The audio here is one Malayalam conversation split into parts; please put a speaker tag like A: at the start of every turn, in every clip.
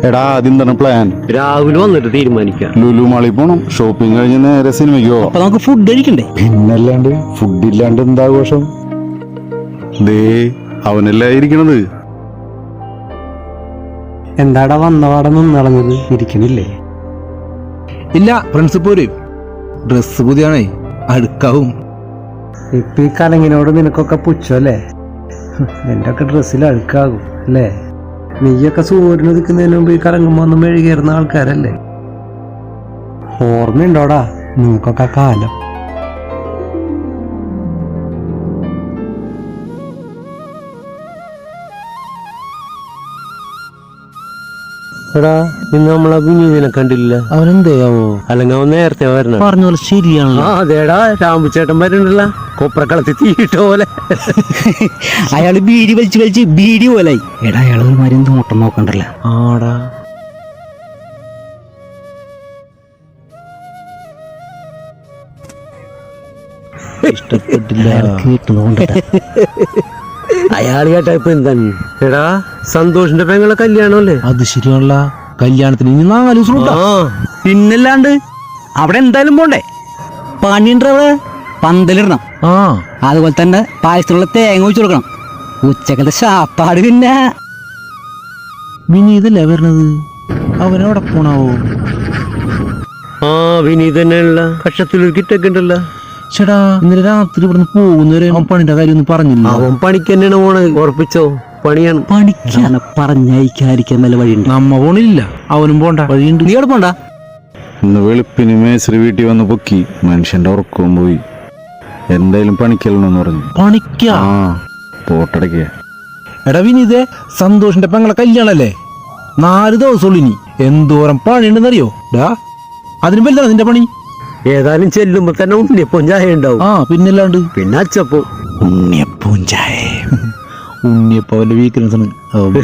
A: എടാ ആദ്യം തന്നെ പ്ലാൻ
B: രാവിലെ വന്നിട്ട് തീരുമാനിക്കാം.
A: ലുലു മാളിൽ പോണം, ഷോപ്പിംഗ് കഴിഞ്ഞ് നേരെ സിനിമയ്ക്ക് പോവാം.
C: അപ്പൊ നമുക്ക് ഫുഡ് കഴിക്കണ്ടേ?
A: പിന്നല്ലാണ്ട് ഫുഡ് ഇല്ലാണ്ട് എന്താഘോഷം? ദേ അവനല്ലേ ഇരിക്കണത്.
D: എന്താടാ വന്നപാടെ നിന്നളഞ്ഞത്? ഇരിക്കണില്ലേ?
C: ഇല്ല, ഫ്രണ്ട്സ് പോരെ. ഡ്രസ് പുതിയാണേ, അടുക്കാവും.
D: ഇപ്പൊ ഈ കലങ്ങിനോട് നിനക്കൊക്കെ പുച്ഛല്ലേ? നിന്റെ ഒക്കെ ഡ്രസ്സിൽ അഴുക്കാകും അല്ലേ? നീയൊക്കെ സൂര്യന് നിൽക്കുന്നതിന് മുമ്പ് ഈ കലങ്ങുമ്പോ ഒന്നും മെഴുകേറുന്ന ആൾക്കാരല്ലേ? ഓർമ്മയുണ്ടോടാ നിനക്കൊക്കെ കാലം?
B: എടാ ഇന്ന് നമ്മളെ വിനീതിനെ കണ്ടില്ല.
C: അവനെന്തേയാവോ?
B: അല്ലെങ്കിൽ അവൻ നേരത്തെ വരണം.
C: പറഞ്ഞ പോലെ ശരിയാണല്ലോ.
B: അതേടാ രാമുചേട്ടൻ വരുന്നുണ്ടല്ല, കൊപ്രക്കളത്തിൽ തീയിട്ട പോലെ.
C: അയാള് ബീഡി വലിച്ച് ബീഡി പോലായി. എടാ അയാൾ ഒരു മാതിരി നോട്ടം നോക്കണ്ടല്ല.
B: ആടാ
C: ഇഷ്ടപ്പെട്ടില്ല. കേട്ടുകൊണ്ട്
B: അയാൾ കേട്ടാ ഇപ്പൊ എന്താണ്? എടാ സന്തോഷിന്റെ പെങ്ങളെ കല്യാണമല്ലേ?
C: അത് ശരിയാണല്ല. കല്യാണത്തിന് ഇനി 4 ദിവസം ഉണ്ടോ? പിന്നല്ലാണ്ട് അവിടെ എന്തായാലും പോണ്ടേ? പണിയുണ്ട് അവിടെ. പന്തലിടണം. അതുപോലെ തന്നെ പായസത്തിനുള്ള തേങ്ങ ഒഴിച്ചു കൊടുക്കണം. ഉച്ചക്കത്തെ ശാപ്പാട് പിന്നെ വിനീതല്ലേ വരണത്. അവനവിടെ പോണാവോ?
B: വിനീത് തന്നെയുള്ള കക്ഷത്തിലൊരു കിറ്റൊക്കെ ഉണ്ടല്ലോ.
C: ചേടാ ഇന്നലെ രാത്രി ഇവിടുന്ന് പോകുന്നവരെ അവൻ പണിയുടെ കാര്യം ഒന്നും പറഞ്ഞില്ല.
B: അവൻ പണിക്ക് തന്നെയാണ് പോണ്. ഉറപ്പിച്ചോ? പണിയാണ്.
C: പണിക്കാണ് പറഞ്ഞയക്കാതിരിക്കാൻ നല്ല വഴിയുണ്ട്. നമ്മ പോണില്ല, അവനും പോണ്ട. വഴിയുണ്ട്. നീ അവിടെ പോണ്ട.
A: ഇന്ന് വെളുപ്പിന് മേസ്രി വീട്ടിൽ വന്ന് പൊക്കി. മനുഷ്യന്റെ ഉറക്കവും പോയി. എന്തായാലും പണിക്കല്ലെന്ന് പറഞ്ഞു.
C: പണിക്കാ?
A: പോട്ടടയ്ക്ക.
C: എടാ വിനീതേ, സന്തോഷിന്റെ പെങ്ങളെ കല്യാണല്ലേ? 4 ദിവസമുള്ളൂ ഇനി. എന്തോരം പണിയുണ്ടെന്നറിയോ? ഡാ അതിന് വലുതാണ് നിന്റെ പണി.
B: ഏതായാലും ചെല്ലുമ്പോ തന്നെ ഉണ്ണിയപ്പം ചായ ഉണ്ടാവും.
C: പിന്നല്ലാണ്ട്.
B: പിന്നെ അച്ചപ്പോ
C: ഉണ്ണിയപ്പവും ചായ. ഉണ്ണിയപ്പം അവന്റെ വീക്ക്നെസ് ആണ്.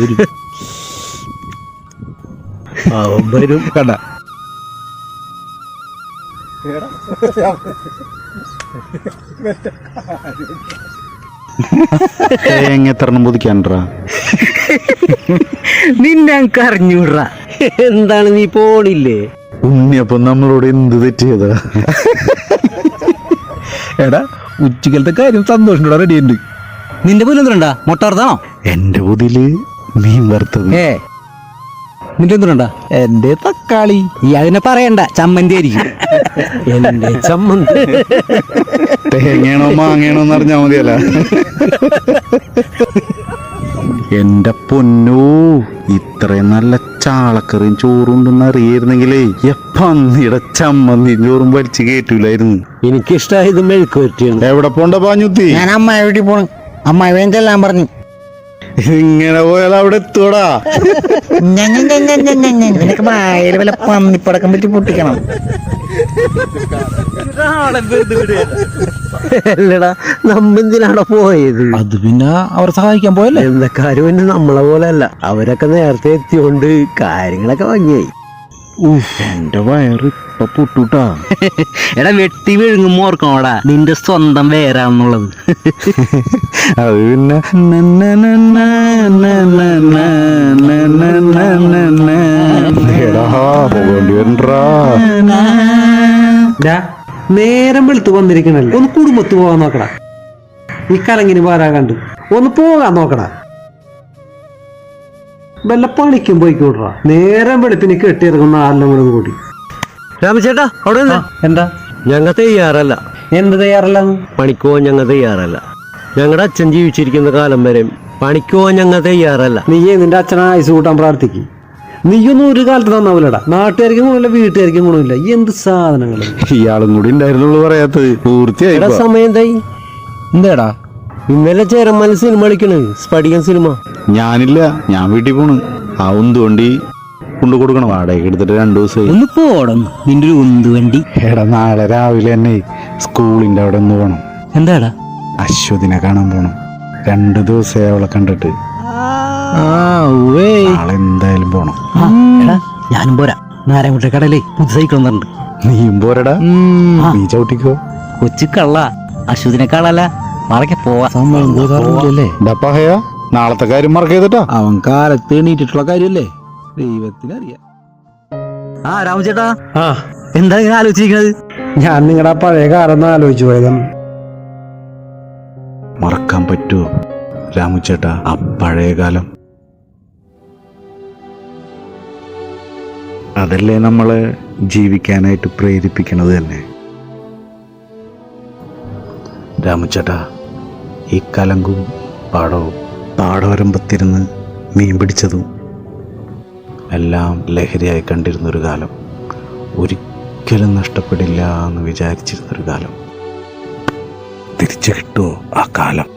B: അവൻ വരും.
C: കണ്ട
A: എത്രണ്ണം പുതിക്കാൻട്രാ?
C: നിന്നെ എനിക്ക് അറിഞ്ഞൂടാ.
B: എന്താണ് നീ പോണില്ലേ?
A: ഉണ്ണിയപ്പം നമ്മളോട് എന്ത് തെറ്റിയതാ?
C: എടാ ഉച്ചക്കലത്തെ കാര്യം സന്തോഷം റെഡി ഉണ്ട്. നിന്റെ പുതിയ എന്തുണ്ടാ? മുട്ട വറുത്താണോ?
A: എന്റെ പുതില് മീൻ വറുത്തത്.
C: നിന്റെ എന്തുണ്ടാ? എന്റെ തക്കാളി. ഈ അതിനെ പറയണ്ട, ചമ്മന്തി ആയിരിക്കും.
B: എന്റെ ചമ്മന്തി.
A: തേങ്ങയാണോ മാങ്ങയാണോ എന്ന് അറിഞ്ഞാ മതിയല്ല. എന്റെ പൊന്നോ, ഇത്രയും നല്ല ചാളക്കറിയും ചോറുണ്ടെന്ന് അറിയായിരുന്നെങ്കിലേ പന്നിയുടെ ചമ്മന്തിയും ചോറും വലിച്ചു കേറ്റൂലായിരുന്നു.
B: എനിക്കിഷ്ടായത് മെഴുക്ക് പറ്റിയാണ്.
A: എവിടെ പോണ്ട പാഞ്ഞുത്തി?
C: ഞാൻ അമ്മായി വീട്ടിൽ പോണു. അമ്മായി വേണ്ടെല്ലാം പറഞ്ഞു.
A: ഇങ്ങനെ പോയാൽ അവിടെ എത്തൂടാ.
C: നിനക്ക് വായിൽ വല്ല പന്നിപ്പടക്കം പറ്റി പൊട്ടിക്കണം.
B: അല്ലടാ നമ്മെന്തിനാണ് പോയത്?
C: അത് പിന്നെ അവരെ സഹായിക്കാൻ പോയല്ലേ.
B: എന്താ കാര്യം? പിന്നെ നമ്മളെ പോലെ അല്ല, അവരൊക്കെ നേരത്തെ എത്തിയോണ്ട് കാര്യങ്ങളൊക്കെ ഭംഗിയായി.
A: എന്റെ വയറ് ഇപ്പൊ പൊട്ടൂട്ടാ.
C: എടാ വെട്ടി വിഴുങ്ങുമ്പോ ഓർക്കണോടാ നിന്റെ സ്വന്തം വേരാന്നുള്ളത്.
A: അത് പിന്നെ പോകേണ്ടി വരണ്ടാ.
D: നേരം വെളുത്ത് വന്നിരിക്കണല്ലേ, ഒന്ന് കുടുംബത്ത് പോകാൻ നോക്കടാ. ഈ കലങ്ങിന് പോരാ കണ്ട് ഒന്ന് പോകാൻ നോക്കടാ. വല്ല പണിക്കും പോയിക്കോട്ടാ. നേരം വെളുപ്പിന് കെട്ടിയിറങ്ങുന്ന ആരെല്ലാം കൂടെ കൂടി.
B: രാമചേട്ടാ അവിടെ
D: എന്താ?
B: ഞങ്ങൾ തയ്യാറല്ല.
D: എന്ത് തയ്യാറല്ല?
B: പണിക്ക് പോവാൻ ഞങ്ങൾ തയ്യാറല്ല. ഞങ്ങളുടെ അച്ഛൻ ജീവിച്ചിരിക്കുന്ന കാലം വരെ പണിക്ക് പോവാൻ ഞങ്ങൾ തയ്യാറല്ല.
D: നീയേ നിന്റെ അച്ഛനെ ആയുസ് കൂട്ടാൻ പ്രാർത്ഥിക്കും. നീയൊന്നും ഒരു കാലത്ത് നന്നാവില്ലടാ. നാട്ടുകാർക്കും ഗുണമില്ല, വീട്ടുകാർക്കും ഗുണമില്ല. എന്ത് സാധനങ്ങൾ.
A: ഇയാളും കൂടി ഉണ്ടായിരുന്നുള്ളൂ പറയാത്തത്. പൂർത്തിയായി.
B: സമയം എന്തായി?
C: എന്താടാ
B: ഇന്നലെ ചേരന്മാല സിനിമ കളിക്കണ്, സ്പടികൻ സിനിമ.
A: ഞാനില്ല, ഞാൻ വീട്ടിൽ പോണ്. ആ ഉന്തുവണ്ടി കൊണ്ടു കൊടുക്കണം. വാടക എടുത്തിട്ട് 2 ദിവസമായി.
C: ഒന്ന് പോടം നിന്റെ ഒരു ഉന്ത് വണ്ടി.
A: എടാ നാളെ രാവിലെ തന്നെ സ്കൂളിന്റെ അവിടെ ഒന്ന് പോണം.
C: എന്താടാ?
A: അശ്വതിനെ കാണാൻ പോണം. 2 ദിവസമായി അവളെ കണ്ടിട്ട്. നാളെ എന്തായാലും പോണം.
C: ഞാനും പോരാ. നാരായണ കടയിലേ പുതു സൈക്കിൾ വന്നിട്ടുണ്ട്.
A: നീയും പോരടാ. നീ ചവിട്ടിക്കോ.
C: കൊച്ചു കള്ള അശ്വതിനെക്കാളല്ല നാളെ പോവാ.
A: നാളത്തെ കാര്യം മറക്കരുതട്ടാ.
C: അവൻ കാലത്ത് എണീറ്റിട്ടുള്ള കാര്യല്ലേ. ദൈവത്തിനറിയാം. ആ രാമചേട്ടാ,
D: ആ
C: എന്താ ഇങ്ങനെ ആലോചിച്ചിരിക്കണത്?
D: ഞാൻ നിങ്ങളുടെ ആ പഴയ കാലം ആലോചിച്ചു പോയതാണ്.
A: മറക്കാൻ പറ്റുമോ രാമുചേട്ടാ ആ പഴയ കാലം? അതല്ലേ നമ്മളെ ജീവിക്കാനായിട്ട് പ്രേരിപ്പിക്കണത് തന്നെ. രാമുചേട്ടാ, ഈ കലങ്കും പാടവും പാടവരമ്പത്തിരുന്ന് മീൻ പിടിച്ചതും എല്ലാം ലഹരിയായി കണ്ടിരുന്നൊരു കാലം, ഒരിക്കലും നഷ്ടപ്പെടില്ല എന്ന് വിചാരിച്ചിരുന്നൊരു കാലം. തിരിച്ചു കിട്ടുമോ ആ കാലം?